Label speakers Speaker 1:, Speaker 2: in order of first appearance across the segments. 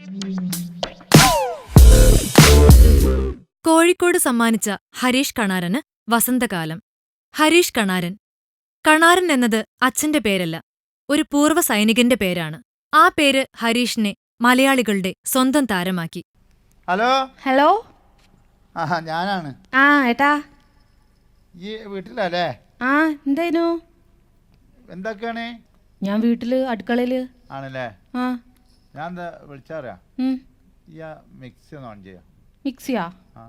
Speaker 1: കോഴിക്കോട് സമ്മാനിച്ച ഹരീഷ് കണാരന് വസന്തകാലം. ഹരീഷ് കണാരൻ. കണാരൻ എന്നത് അച്ഛന്റെ പേരല്ല, ഒരു പൂർവ്വ സൈനികന്റെ പേരാണ്. ആ പേര് ഹരീഷിനെ മലയാളികളുടെ സ്വന്തം താരമാക്കി.
Speaker 2: Hello
Speaker 3: hello.
Speaker 2: ഞാനാണ്.
Speaker 3: ഏട്ടാ
Speaker 2: ഈ വീട്ടിലല്ലേ?
Speaker 3: എന്തേനു?
Speaker 2: എന്തൊക്കെയാണ്?
Speaker 3: ഞാൻ വീട്ടില് അടുക്കളയില്
Speaker 2: ആണല്ലേ. ഞാൻ എന്താ വിളിച്ചറിയാ, ഈ മിക്സി ഒന്ന് ഓൺ ചെയ്യാം.
Speaker 3: മിക്സിയാ?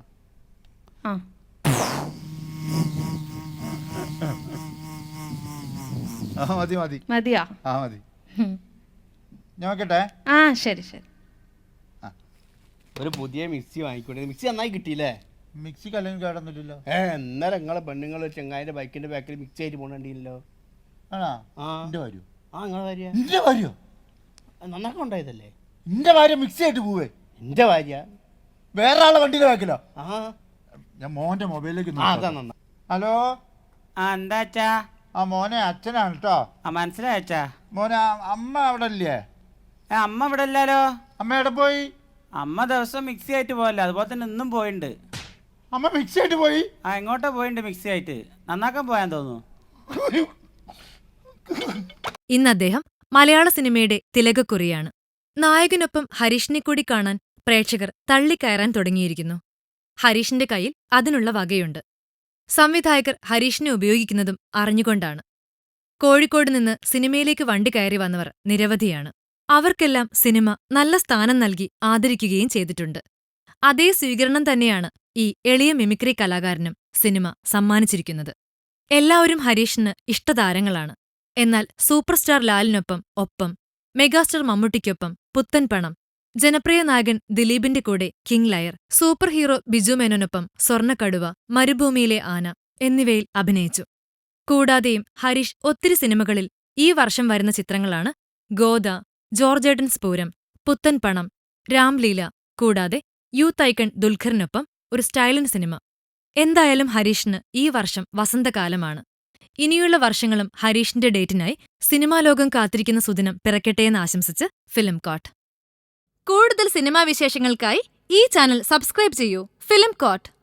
Speaker 2: മതി മതി
Speaker 3: മതിയാ?
Speaker 2: മതി. ഞാൻ നോക്കട്ടെ.
Speaker 3: ശരി ശരി.
Speaker 4: ഒരു പുതിയ മിക്സി വാങ്ങിക്കൊണ്ട്. മിക്സി നന്നായി കിട്ടിയില്ലേ?
Speaker 2: മിക്സി കല്ലെങ്കിൽ കേടൊന്നുമില്ലല്ലോ.
Speaker 4: എന്നാലും നിങ്ങളെ പെണ്ണുങ്ങൾ ചെങ്ങായിന്റെ ബൈക്കിന്റെ ബാക്കിൽ മിക്സി ആയിട്ട് പോകണ്ടില്ലല്ലോ.
Speaker 2: ആണോ? എന്റെ ഭാര്യ?
Speaker 4: നിങ്ങളെ ഭാര്യ?
Speaker 2: എന്റെ ഭാര്യ
Speaker 4: നന്നാക്കാൻ ഉണ്ടായതല്ലേ?
Speaker 2: എന്റെ ഭാര്യ മിക്സി ആയിട്ട് പോവേ?
Speaker 4: എന്റെ ഭാര്യ
Speaker 2: വേറെ ആളെ വണ്ടിയിൽ വെക്കലോ? ഞാൻ മോന്റെ മൊബൈലിലേക്ക്. ഹലോ.
Speaker 5: എന്താച്ചാ?
Speaker 2: മോനെ അച്ഛനാണ് കേട്ടോ.
Speaker 5: മനസ്സിലായച്ചാ.
Speaker 2: മോനെ അമ്മ അവിടെ ഇല്ലേ?
Speaker 5: അമ്മ ഇവിടെ ഇല്ലല്ലോ.
Speaker 2: അമ്മ എവിടെ പോയി?
Speaker 5: അമ്മ ദിവസം മിക്സി ആയിട്ട് പോയല്ലോ, അതുപോലെ തന്നെ ഇന്നും പോയിണ്ട്.
Speaker 2: അമ്മ മിക്സി ആയിട്ട് പോയി?
Speaker 5: എങ്ങോട്ടാ പോയിണ്ട്? മിക്സി ആയിട്ട് നന്നാക്കാൻ പോയാൻ തോന്നുന്നു.
Speaker 1: ഇന്ന് അദ്ദേഹം മലയാള സിനിമയുടെ തിലകക്കുറിയാണ്. നായകനൊപ്പം ഹരീഷിനെ കൂടി കാണാൻ പ്രേക്ഷകർ തള്ളിക്കയറാൻ തുടങ്ങിയിരിക്കുന്നു. ഹരീഷിന്റെ കയ്യിൽ അതിനുള്ള വകയുണ്ട്. സംവിധായകർ ഹരീഷിനെ ഉപയോഗിക്കുന്നതും അറിഞ്ഞുകൊണ്ടാണ്. കോഴിക്കോട് നിന്ന് സിനിമയിലേക്ക് വണ്ടി കയറി വന്നവർ നിരവധിയാണ്. അവർക്കെല്ലാം സിനിമ നല്ല സ്ഥാനം നൽകി ആദരിക്കുകയും ചെയ്തിട്ടുണ്ട്. അതേ സ്വീകരണം തന്നെയാണ് ഈ എളിയ മിമിക്രി കലാകാരനും സിനിമ സമ്മാനിച്ചിരിക്കുന്നത്. എല്ലാവരും ഹരീഷിന് ഇഷ്ടതാരങ്ങളാണ്. എന്നാൽ സൂപ്പർ സ്റ്റാർ ലാലിനൊപ്പം മെഗാസ്റ്റാർ മമ്മൂട്ടിക്കൊപ്പം പുത്തൻ പണം, ജനപ്രിയ നായകൻ ദിലീപിന്റെ കൂടെ king liar, super hero Biju മേനോനൊപ്പം സ്വർണ്ണക്കടുവ, മരുഭൂമിയിലെ ആന എന്നിവയിൽ അഭിനയിച്ചു. കൂടാതെയും ഹരീഷ് ഒത്തിരി സിനിമകളിൽ ഈ വർഷം വരുന്ന ചിത്രങ്ങളാണ് ഗോദ, ജോർജേട്ടൻ സ്പൂരം, പുത്തൻ പണം, രാംലീല, കൂടാതെ യൂത്ത് ഐക്കൺ ദുൽഖറിനൊപ്പം ഒരു സ്റ്റൈലൻ സിനിമ. എന്തായാലും ഹരീഷിന് ഈ വർഷം വസന്തകാലമാണ്. ഇനിയുള്ള വർഷങ്ങളും ഹരീഷിന്റെ ഡേറ്റിനായി സിനിമാലോകം കാത്തിരിക്കുന്ന സുദിനം പിറക്കട്ടെയെന്ന് ആശംസിച്ച് ഫിലിം കോട്ട്. കൂടുതൽ സിനിമാ വിശേഷങ്ങൾക്കായി ഈ ചാനൽ സബ്സ്ക്രൈബ് ചെയ്യൂ. Film coat.